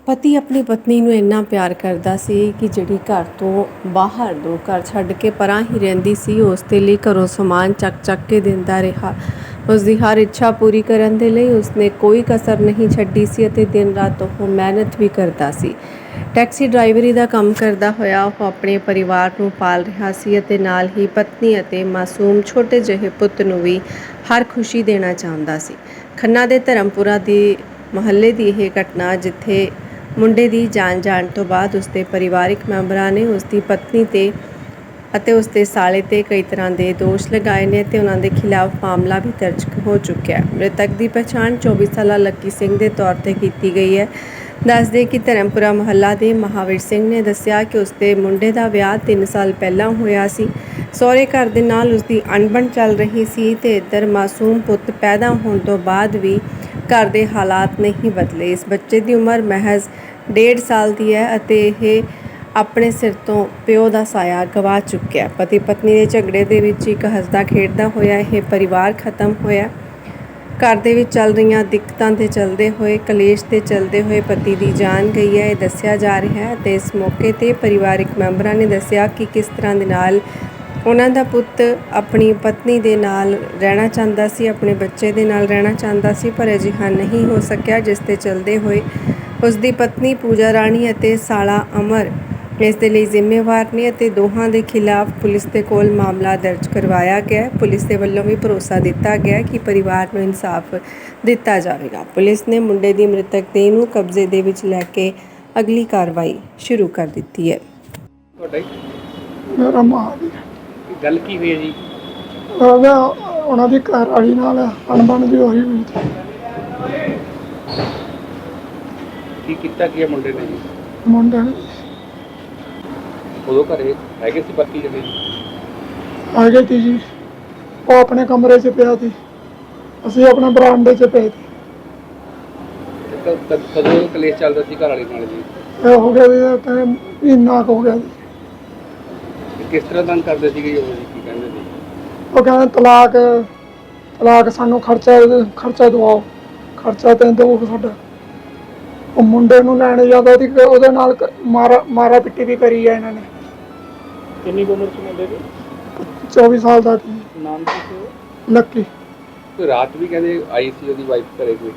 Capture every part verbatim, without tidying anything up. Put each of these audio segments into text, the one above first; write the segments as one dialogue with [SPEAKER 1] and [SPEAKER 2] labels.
[SPEAKER 1] ਪਤੀ ਆਪਣੀ ਪਤਨੀ ਨੂੰ ਇੰਨਾ ਪਿਆਰ ਕਰਦਾ ਸੀ ਕਿ ਜਿਹੜੀ ਘਰ ਤੋਂ ਬਾਹਰ ਦੋ ਘਰ ਛੱਡ ਕੇ ਪਰਾਂ ਹੀ ਰਹਿੰਦੀ ਸੀ, ਉਸ ਦੇ ਲਈ ਘਰੋਂ ਸਮਾਨ ਚੱਕ ਚੱਕ ਕੇ ਦਿੰਦਾ ਰਿਹਾ। ਉਸ ਦੀ ਹਰ ਇੱਛਾ ਪੂਰੀ ਕਰਨ ਦੇ ਲਈ ਉਸਨੇ ਕੋਈ ਕਸਰ ਨਹੀਂ ਛੱਡੀ ਸੀ ਅਤੇ ਦਿਨ ਰਾਤ ਉਹ ਮਿਹਨਤ ਵੀ ਕਰਦਾ ਸੀ। ਟੈਕਸੀ ਡਰਾਈਵਰੀ ਦਾ ਕੰਮ ਕਰਦਾ ਹੋਇਆ ਉਹ ਆਪਣੇ ਪਰਿਵਾਰ ਨੂੰ ਪਾਲ ਰਿਹਾ ਸੀ ਅਤੇ ਨਾਲ ਹੀ ਪਤਨੀ ਅਤੇ ਮਾਸੂਮ ਛੋਟੇ ਜਿਹੇ ਪੁੱਤ ਨੂੰ ਵੀ ਹਰ ਖੁਸ਼ੀ ਦੇਣਾ ਚਾਹੁੰਦਾ ਸੀ। ਖੰਨਾ ਦੇ ਧਰਮਪੁਰਾ ਦੀ ਮੁਹੱਲੇ ਦੀ ਇਹ ਘਟਨਾ, ਜਿੱਥੇ ਮੁੰਡੇ ਦੀ ਜਾਨ ਜਾਣ ਤੋਂ ਬਾਅਦ ਉਸਦੇ ਪਰਿਵਾਰਕ ਮੈਂਬਰਾਂ ਨੇ ਉਸਦੀ ਪਤਨੀ ਤੇ ਅਤੇ ਉਸਦੇ ਸਾਲੇ ਤੇ ਕਈ ਤਰ੍ਹਾਂ ਦੇ ਦੋਸ਼ ਲਗਾਏ ਨੇ ਤੇ ਉਹਨਾਂ ਦੇ ਖਿਲਾਫ ਮਾਮਲਾ ਵੀ ਦਰਜ ਹੋ ਚੁੱਕਿਆ ਹੈ। ਮ੍ਰਿਤਕ ਦੀ ਪਛਾਣ ਚੌਵੀ ਸਾਲਾ ਲੱਕੀ ਸਿੰਘ ਦੇ ਤੌਰ ਤੇ ਕੀਤੀ ਗਈ ਹੈ। ਦੱਸਦੇ ਕਿ ਧਰਮਪੁਰਾ ਮੁਹੱਲਾ ਦੇ ਮਹਾਵੀਰ ਸਿੰਘ ਨੇ ਦੱਸਿਆ ਕਿ ਉਸਦੇ ਮੁੰਡੇ ਦਾ ਵਿਆਹ ਤਿੰਨ ਸਾਲ ਪਹਿਲਾਂ ਹੋਇਆ ਸੀ। ਸਹੁਰੇ ਘਰ ਦੇ ਨਾਲ ਉਸਦੀ ਅਣਬਣ ਚੱਲ ਰਹੀ ਸੀ ਤੇ ਇੱਧਰ ਮਾਸੂਮ ਪੁੱਤ ਪੈਦਾ ਹੋਣ ਤੋਂ ਬਾਅਦ ਵੀ ਘਰ ਦੇ ਹਾਲਾਤ ਨਹੀਂ ਬਦਲੇ। ਇਸ ਬੱਚੇ ਦੀ ਉਮਰ ਮਹਿਜ਼ ਡੇਢ ਸਾਲ ਦੀ ਹੈ ਅਤੇ ਇਹ ਆਪਣੇ ਸਿਰ ਤੋਂ ਪਿਓ ਦਾ ਸਾਇਆ ਗਵਾ ਚੁੱਕਿਆ। ਪਤੀ ਪਤਨੀ ਦੇ ਝਗੜੇ ਦੇ ਵਿੱਚ ਇੱਕ ਹੱਸਦਾ ਖੇਡਦਾ ਹੋਇਆ ਇਹ ਪਰਿਵਾਰ ਖਤਮ ਹੋਇਆ। ਘਰ ਦੇ ਵਿੱਚ ਚੱਲ ਰਹੀਆਂ ਦਿੱਕਤਾਂ ਦੇ ਚੱਲਦੇ ਹੋਏ, ਕਲੇਸ਼ ਦੇ ਚੱਲਦੇ ਹੋਏ ਪਤੀ ਦੀ ਜਾਨ ਗਈ ਹੈ, ਇਹ ਦੱਸਿਆ ਜਾ ਰਿਹਾ ਹੈ। ਅਤੇ ਇਸ ਮੌਕੇ 'ਤੇ ਪਰਿਵਾਰਕ ਮੈਂਬਰਾਂ ਨੇ ਦੱਸਿਆ ਕਿ ਕਿਸ ਤਰ੍ਹਾਂ ਦੇ ਨਾਲ ਉਹਨਾਂ ਦਾ ਪੁੱਤ ਆਪਣੀ ਪਤਨੀ ਦੇ ਨਾਲ ਰਹਿਣਾ ਚਾਹੁੰਦਾ ਸੀ, ਆਪਣੇ ਬੱਚੇ ਦੇ ਨਾਲ ਰਹਿਣਾ ਚਾਹੁੰਦਾ ਸੀ, ਪਰ ਅਜਿਹਾ ਨਹੀਂ ਹੋ ਸਕਿਆ, ਜਿਸ 'ਤੇ ਚੱਲਦੇ ਹੋਏ ਉਸ ਦੀ ਪਤਨੀ ਪੂਜਾ ਰਾਣੀ ਅਤੇ ਸਾਲਾ ਅਮਰ ਇਸ ਦੇ ਲਈ ਜ਼ਿੰਮੇਵਾਰ ਨੇ ਅਤੇ ਦੋਹਾਂ ਦੇ ਖਿਲਾਫ ਪੁਲਿਸ ਦੇ ਕੋਲ ਮਾਮਲਾ ਦਰਜ ਕਰਵਾਇਆ ਗਿਆ। ਪੁਲਿਸ ਦੇ ਵੱਲੋਂ ਵੀ ਭਰੋਸਾ ਦਿੱਤਾ ਗਿਆ ਕਿ ਪਰਿਵਾਰ ਨੂੰ ਇਨਸਾਫ ਦਿੱਤਾ ਜਾਵੇਗਾ। ਪੁਲਿਸ ਨੇ ਮੁੰਡੇ ਦੀ ਮ੍ਰਿਤਕ ਦੇਹ ਨੂੰ ਕਬਜ਼ੇ ਦੇ ਵਿੱਚ ਲੈ ਕੇ ਅਗਲੀ ਕਾਰਵਾਈ ਸ਼ੁਰੂ ਕਰ ਦਿੱਤੀ ਹੈ।
[SPEAKER 2] ਮੇਰਾ ਮਾਂ ਦੀ
[SPEAKER 3] ਗੱਲ ਕੀ ਹੋਈ ਹੈ ਜੀ?
[SPEAKER 2] ਉਹਨਾਂ ਦੀ ਘਰ ਵਾਲੀ ਨਾਲ ਅਣਬਣ ਦੀ ਹੋਈ ਹੋਈ ਸੀ।
[SPEAKER 3] ਕੀ ਕੀਤਾ ਕੀ ਮੁੰਡੇ ਨੇ ਜੀ?
[SPEAKER 2] ਮੁੰਡੇ ਨੇ
[SPEAKER 3] ਉਦੋਂ ਘਰੇ ਹੈਗੇ ਸੀ ਪਤੀ ਜਿਹੜੇ
[SPEAKER 2] ਆ ਗਏ ਸੀ ਜੀ, ਉਹ ਆਪਣੇ ਕਮਰੇ 'ਚ ਪਿਆ ਸੀ, ਅਸੀਂ ਆਪਣੇ ਬਰਾਂਡੇ 'ਚ ਪਏ ਸੀ।
[SPEAKER 3] ਕਦੋਂ ਕਲੇਸ਼ ਚੱਲਦਾ ਸੀ ਘਰ ਵਾਲੀ ਨਾਲ ਜੀ?
[SPEAKER 2] ਇਹ ਹੋ ਗਿਆ ਵੀ ਮਹੀਨਾ ਕੁ ਹੋ ਗਿਆ ਜੀ।
[SPEAKER 3] ਕਿਸ ਤਰ੍ਹਾਂ ਤੰਗ ਕਰਦੇ ਸੀਗੇ ਉਹ ਜੀ? ਕੀ ਕਹਿੰਦੇ ਸੀ?
[SPEAKER 2] ਉਹ ਕਹਿੰਦੇ ਤਲਾਕ ਤਲਾਕ ਸਾਨੂੰ ਖਰਚਾ ਖਰਚਾ ਦਵਾਓ, ਖਰਚਾ ਤੇ ਦਿਓ ਸਾਡਾ। ਉਹ ਮੁੰਡੇ ਨੂੰ ਲੈਣ ਜਾਂਦਾ ਸੀ, ਉਹਦੇ ਨਾਲ ਮਾਰਾ ਮਾਰਾ ਪਿੱਟੀ ਵੀ ਕਰੀ ਹੈ ਇਹਨਾਂ ਨੇ।
[SPEAKER 3] ਕਿੰਨੀ ਉਮਰ ਸੀ ਮੁੰਡੇ ਦੀ?
[SPEAKER 2] ਚੌਵੀ ਸਾਲ ਦਾ ਸੀ।
[SPEAKER 3] ਨਾਮ ਕੀ ਸੀ?
[SPEAKER 2] ਲੱਕੀ।
[SPEAKER 3] ਕੋਈ ਰਾਤ ਵੀ ਕਹਿੰਦੇ ਆਈ ਸੀ ਉਹਦੀ ਵਾਈਫ ਘਰੇ ਕੋਈ?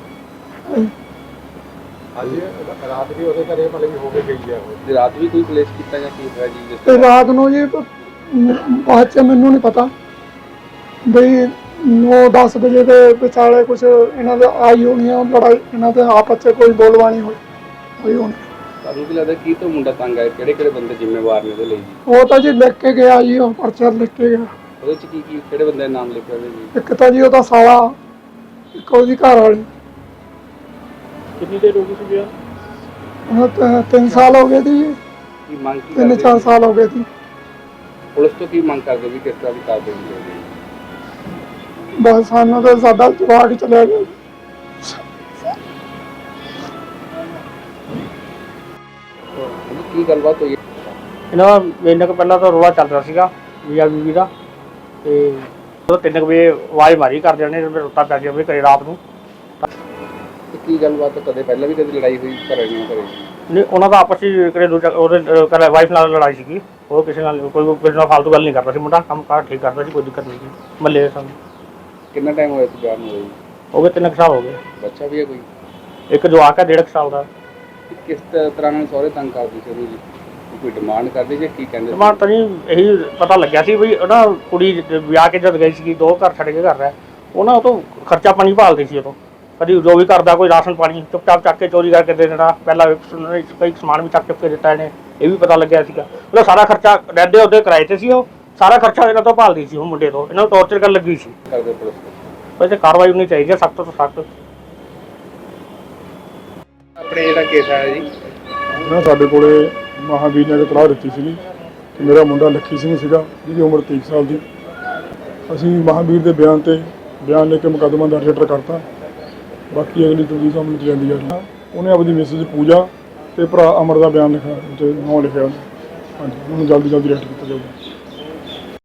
[SPEAKER 4] ਹਾਂਜੀ, ਰਾਤ ਵੀ ਉਹਦੇ ਘਰੇ ਮਤਲਬ ਕਿ ਹੋ ਕੇ ਗਈ ਹੈ ਉਹ।
[SPEAKER 3] ਰਾਤ ਵੀ ਕੋਈ ਕਲੇਸ਼ ਕੀਤਾ ਜਾਂ ਕੀ ਹੋਇਆ ਜੀ?
[SPEAKER 2] ਤੇ ਰਾਤ ਨੂੰ ਜੀ ਬਾਅਦ 'ਚ ਮੈਨੂੰ ਨਹੀਂ ਪਤਾ ਬਈ ਨੌ ਦਸ ਵਜੇ ਦੇ ਵਿਚਾਲੇ ਕੁਛ ਇਹਨਾਂ ਦੇ ਆਈ ਹੋਣੀ ਆ ਲੜਾਈ, ਇਹਨਾਂ ਦੇ ਆਪਸ 'ਚ ਕੋਈ ਬੋਲਬਾਣੀ ਹੋਈ ਹੋਈ ਹੋਣੀ।
[SPEAKER 3] ਤੁਹਾਨੂੰ ਕੀ ਲੱਗਦਾ ਕੀ ਤੋਂ ਮੁੰਡਾ ਤੰਗ ਆਇਆ? ਕਿਹੜੇ ਕਿਹੜੇ ਬੰਦੇ ਜ਼ਿੰਮੇਵਾਰ ਨੇ ਉਹਦੇ ਲਈ ਜੀ?
[SPEAKER 2] ਉਹ ਤਾਂ ਜੀ ਲਿਖ ਕੇ ਗਿਆ ਜੀ, ਉਹ ਪਰਚਾ ਲਿਖ ਕੇ ਗਿਆ।
[SPEAKER 3] ਉਹਦੇ 'ਚ ਕੀ ਕੀ ਕਿਹੜੇ ਬੰਦੇ ਦੇ ਨਾਮ ਲਿਖੇ ਹੋਏ ਜੀ?
[SPEAKER 2] ਇੱਕ ਤਾਂ ਜੀ ਉਹਦਾ ਸਾਲਾ, ਇੱਕ ਉਹਦੀ ਘਰ ਵਾਲੀ।
[SPEAKER 3] ਕਿੰਨੀ ਦੇਰ ਹੋ ਗਈ ਸੀ ਵਿਆਹ?
[SPEAKER 2] ਉਹ ਤਿੰਨ ਸਾਲ ਹੋ ਗਏ ਸੀ।
[SPEAKER 3] ਕੀ ਮੰਗ ਕੀ
[SPEAKER 2] ਤਿੰਨ ਚਾਰ ਸਾਲ ਹੋ ਗਏ ਸੀ।
[SPEAKER 3] ਪੁਲਿਸ ਤੋਂ ਕੀ ਮੰਗ ਕਰਦੇ ਵੀ ਕਿਸ ਤਰ੍ਹਾਂ ਦੀ ਕਾਰਵਾਈ ਹੋਵੇ?
[SPEAKER 2] ਬਸ ਸਾਨੂੰ ਤਾਂ ਸਾਡਾ ਜਵਾਕ ਹੀ ਚਲਿਆ ਗਿਆ।
[SPEAKER 3] ਕੀ ਗੱਲਬਾਤ ਹੋਈ?
[SPEAKER 5] ਇਹਨਾਂ ਦਾ ਮਹੀਨੇ ਕੁ ਪਹਿਲਾਂ ਤਾਂ ਰੌਲਾ ਚੱਲ ਰਿਹਾ ਸੀਗਾ ਮੀਆਂ ਬੀਵੀ ਦਾ, ਤੇ ਉਹ ਤਿੰਨ ਕੁ ਵਜੇ ਆਵਾਜ਼ ਮਾਰੀ ਘਰਦਿਆਂ ਨੇ, ਰੋਤਾ ਪੈ ਗਿਆ ਵੀ ਘਰੇ ਰਾਤ ਨੂੰ।
[SPEAKER 3] ਕੀ ਗੱਲਬਾਤ ਕਦੇ ਪਹਿਲਾਂ ਵੀ ਕਦੇ ਲੜਾਈ ਹੋਈ ਘਰੇ ਨਹੀਂ ਘਰੇ?
[SPEAKER 5] ਨਹੀਂ, ਉਹਨਾਂ ਦਾ ਆਪਸ ਵਿੱਚ ਕਿਹੜੇ ਦੂਜਾ ਉਹਦੇ ਘਰ ਵਾਈਫ ਨਾਲ ਲੜਾਈ ਸੀਗੀ। ਉਹ ਕਿਸੇ ਨਾਲ ਕੋਈ ਕਿਸੇ ਨਾਲ ਫਾਲਤੂ ਗੱਲ ਨਹੀਂ ਕਰਦਾ ਸੀ। ਮੁੰਡਾ ਕੰਮ ਕਾਰ ਠੀਕ ਕਰਦਾ ਸੀ, ਕੋਈ ਦਿੱਕਤ ਨਹੀਂ ਸੀ ਮੱਲੇ ਸਾਨੂੰ।
[SPEAKER 3] ਕਿੰਨਾ ਟਾਈਮ ਹੋਇਆ ਸੀ ਵਿਆਹ ਨੂੰ ਹੋਈ?
[SPEAKER 5] ਹੋ ਗਏ ਤਿੰਨ ਕੁ ਸਾਲ ਹੋ ਗਏ।
[SPEAKER 3] ਬੱਚਾ ਵੀ ਹੈ ਕੋਈ?
[SPEAKER 5] ਇੱਕ ਜਵਾਕ ਹੈ ਡੇਢ ਕੁ ਸਾਲ ਦਾ।
[SPEAKER 3] ਕਿਸ ਤਰ੍ਹਾਂ ਨਾਲ ਸਹੁਰੇ ਤੰਗ ਕਰਦੇ ਸੀ ਉਹਨੂੰ ਜੀ? ਕੋਈ ਡਿਮਾਂਡ ਕਰਦੇ ਜਾਂ ਕੀ ਕਹਿੰਦੇ?
[SPEAKER 5] ਡਿਮਾਂਡ ਤਾਂ ਨਹੀਂ, ਇਹੀ ਪਤਾ ਲੱਗਿਆ ਸੀ ਵੀ ਉਹਨਾਂ ਕੁੜੀ ਵਿਆਹ ਕੇ ਜਦ ਗਈ ਸੀਗੀ, ਦੋ ਘਰ ਛੱਡ ਕੇ ਘਰ ਹੈ, ਉਹਨਾਂ ਉਹ ਤੋਂ ਖਰਚਾ ਪਾਣੀ ਭਾਲਦੀ ਸੀ। ਉਦੋਂ ਕਦੀ ਜੋ ਵੀ ਕਰਦਾ, ਕੋਈ ਰਾਸ਼ਨ ਪਾਣੀ ਚੁੱਪ-ਚਾਪ ਚੱਕ ਕੇ ਚੋਰੀ ਕਰਕੇ ਦੇ ਦੇਣਾ। ਪਹਿਲਾਂ ਕਈ ਸਮਾਨ ਵੀ ਚੱਕ ਚੁੱਕ ਕੇ ਦਿੱਤਾ ਇਹਨੇ, ਇਹ ਵੀ ਪਤਾ ਲੱਗਿਆ ਸੀਗਾ। ਉਹਦਾ ਸਾਰਾ ਖਰਚਾ ਰਹਿੰਦੇ ਉਹਦੇ ਕਿਰਾਏ 'ਤੇ ਸੀ, ਉਹ ਸਾਰਾ ਖਰਚਾ ਇਹਨਾਂ ਤੋਂ ਭਾਲਦੀ ਸੀ। ਉਹ ਮੁੰਡੇ ਤੋਂ ਇਹਨਾਂ ਨੂੰ ਟੌਰਚਰ ਕਰਨ ਲੱਗੀ ਸੀ।
[SPEAKER 3] ਕਰਦੇ ਪੁਲਿਸ
[SPEAKER 5] ਵੈਸੇ ਕਾਰਵਾਈ ਹੋਣੀ ਚਾਹੀਦੀ ਹੈ ਸਖਤ ਤੋਂ ਸਖਤ।
[SPEAKER 3] ਆਪਣੇ ਜਿਹੜਾ ਕੇਸ ਆਇਆ ਜੀ,
[SPEAKER 4] ਨਾ ਸਾਡੇ ਕੋਲੇ ਮਹਾਵੀਰ ਨੇ ਇਤਲਾਹ ਦਿੱਤੀ ਸੀਗੀ ਕਿ ਮੇਰਾ ਮੁੰਡਾ ਲੱਕੀ ਸਿੰਘ ਸੀਗਾ, ਜਿਹਦੀ ਉਮਰ ਤੀਹ ਸਾਲ ਦੀ। ਅਸੀਂ ਮਹਾਵੀਰ ਦੇ ਬਿਆਨ 'ਤੇ ਬਿਆਨ ਲੈ ਕੇ ਮੁਕੱਦਮਾ ਦਰਜ ਰਜਿਸਟਰ ਕਰਤਾ। ਬਾਕੀ ਅਗਲੀ ਤਫਤੀਸ਼ ਸਾਹਮਣੇ ਜਾਂਦੀ ਹੈ। ਉਹਨੇ ਆਪਣੀ ਮਿਸਿਸ ਪੂਜਾ ਤੇ ਭਰਾ ਅਮਰ ਦਾ ਬਿਆਨ ਲਿਖਿਆ, ਉੱਤੇ ਨਾਂ ਲਿਖਿਆ। ਹਾਂਜੀ, ਉਹਨੂੰ ਜਲਦੀ ਜਲਦੀ ਅਰੈਸਟ ਕੀਤਾ ਜਾਊਗਾ।